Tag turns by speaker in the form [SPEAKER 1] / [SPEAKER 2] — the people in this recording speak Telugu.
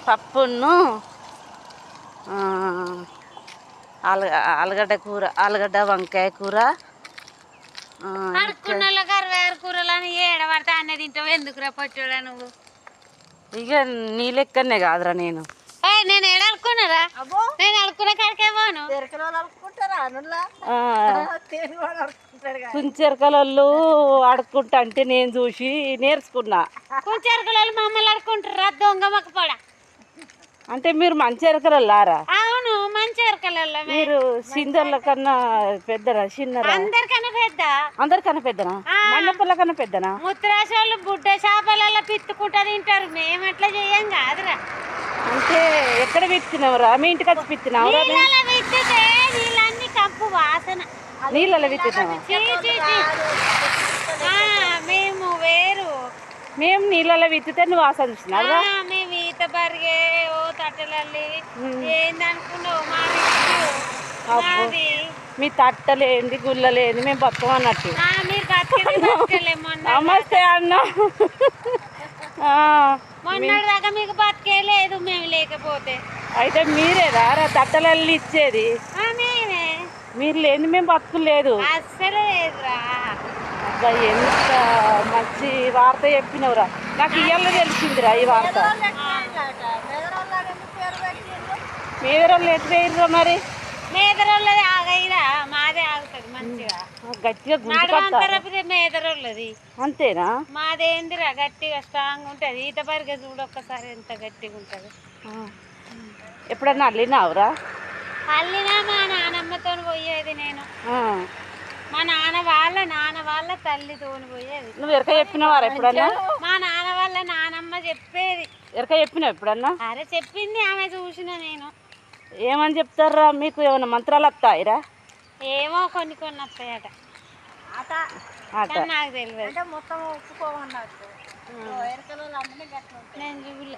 [SPEAKER 1] పప్పును ఆలుగడ్డ కూర, ఆలుగడ్డ వంకాయ కూర.
[SPEAKER 2] అడుక్కున్నోళ్ళ కరవేరు కూరలు అని ఏడబడితే అన్న తింటావు. ఎందుకురా పొట్టోడా నువ్వు?
[SPEAKER 1] ఇక నీ లెక్కనే కాదురా నేను.
[SPEAKER 2] నేను ఏడనుకున్నారా? నేను అడుక్కున్న కాడికే పోను.
[SPEAKER 1] కుంచెరకలు ఆడుకుంటా అంటే నేను చూసి నేర్చుకున్నా.
[SPEAKER 2] కుంచెరకలు మమ్మల్ని అడుకుంటారా? దొంగ మొక్కపోడా.
[SPEAKER 1] అంటే మీరు మంచి ఎరకలలారా?
[SPEAKER 2] అవును, మంచి ఎరకలలో.
[SPEAKER 1] మీరు సిందర్ల కన్నా పెద్దనా చిన్నరా?
[SPEAKER 2] అందరికన్నా పెద్ద.
[SPEAKER 1] అందరికన్నా పెద్దనా? మండపల్ల కన్నా పెద్దనా?
[SPEAKER 2] ముత్రాసోళ్ళు బుడ్డ చేపలలో పిత్తుకుంటా తింటారు. మేము అట్లా చెయ్యం కాదురా.
[SPEAKER 1] అంటే ఎక్కడ విత్తినవరా? మీ ఇంటికి వచ్చి విత్తినావురా?
[SPEAKER 2] విత్తితే నీళ్ళన్నీ కంపు వాసన.
[SPEAKER 1] నీళ్ళలో విత్తినావా?
[SPEAKER 2] మేము వేరు.
[SPEAKER 1] మేము నీళ్ళలో విత్తితే నువ్వు వాసన చూసినావా?
[SPEAKER 2] మేము ఈత బరిగే ఓ తట్టలల్లి ఏందనుకున్నావు? మాది
[SPEAKER 1] మీ తట్టలేంది గుల్లలేంది మేము బతుకం అన్నట్టు.
[SPEAKER 2] మీరు బతికేది
[SPEAKER 1] నమస్తే అన్న.
[SPEAKER 2] మొన్నటిదాకా మీకు బతికే లేదు మేము లేకపోతే.
[SPEAKER 1] అయితే మీరేరా తట్టలల్లి ఇచ్చేది?
[SPEAKER 2] మేమే.
[SPEAKER 1] మీరు లేని మేము బతుకులేదు.
[SPEAKER 2] అస్సలు లేదురా.
[SPEAKER 1] అబ్బా ఎంత మంచి వార్త చెప్పినవురా. నాకు ఇయ్యాల తెలిసిందిరా ఈ వార్త. మేదరోళ్ళు ఎటు వేయరురా మరి?
[SPEAKER 2] మేదరోళ్ళది ఆగయిరా, మాదే ఆగుతుంది మంచిగా
[SPEAKER 1] గట్టిగా
[SPEAKER 2] గుంటరపితే మేదరోళ్ళది.
[SPEAKER 1] అంతేనా?
[SPEAKER 2] మాదేందిరా గట్టిగా స్ట్రాంగ్ ఉంటుంది. ఈత పరిగె చూడు ఒక్కసారి ఎంత గట్టిగా ఉంటుంది.
[SPEAKER 1] ఎప్పుడన్నా అల్లినావురా?
[SPEAKER 2] అల్లినా మా నానమ్మతో పోయేది నేను. మా నాన్న వాళ్ళ తల్లితోని పోయేది.
[SPEAKER 1] నువ్వు ఎరక చెప్పినవారా ఎప్పుడన్నా?
[SPEAKER 2] మా నాన్న వాళ్ళ నానమ్మ చెప్పేది.
[SPEAKER 1] ఎరక చెప్పినావు ఎప్పుడన్నా?
[SPEAKER 2] అరే చెప్పింది, ఆమె చూసిన నేను.
[SPEAKER 1] ఏమని చెప్తారా? మీకు ఏమైనా మంత్రాలు వస్తాయిరా?
[SPEAKER 2] ఏమో కొన్ని కొన్ని వస్తాయట. నాకు తెలియదు. మొత్తం ఒప్పుకోమన్నట్టు నేను చూడలే.